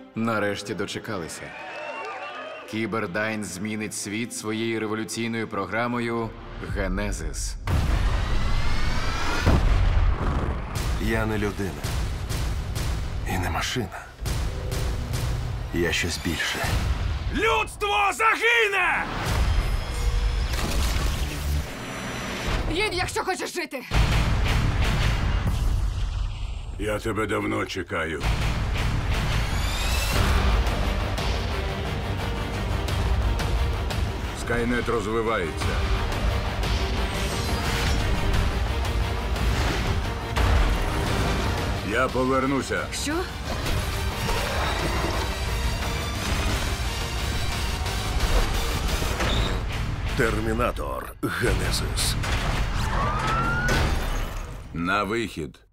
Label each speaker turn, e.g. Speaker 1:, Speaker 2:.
Speaker 1: Нарешті дочекалися. Кібердайн змінить світ своєю революційною програмою «Генезис».
Speaker 2: Я не людина. І не машина. Я щось більше.
Speaker 3: Людство загине!
Speaker 4: Їдь, якщо хочеш жити.
Speaker 3: Я тебе давно чекаю. Скайнет розвивається. Я повернуся.
Speaker 4: Що?
Speaker 2: Термінатор Генезис.
Speaker 3: На вихід.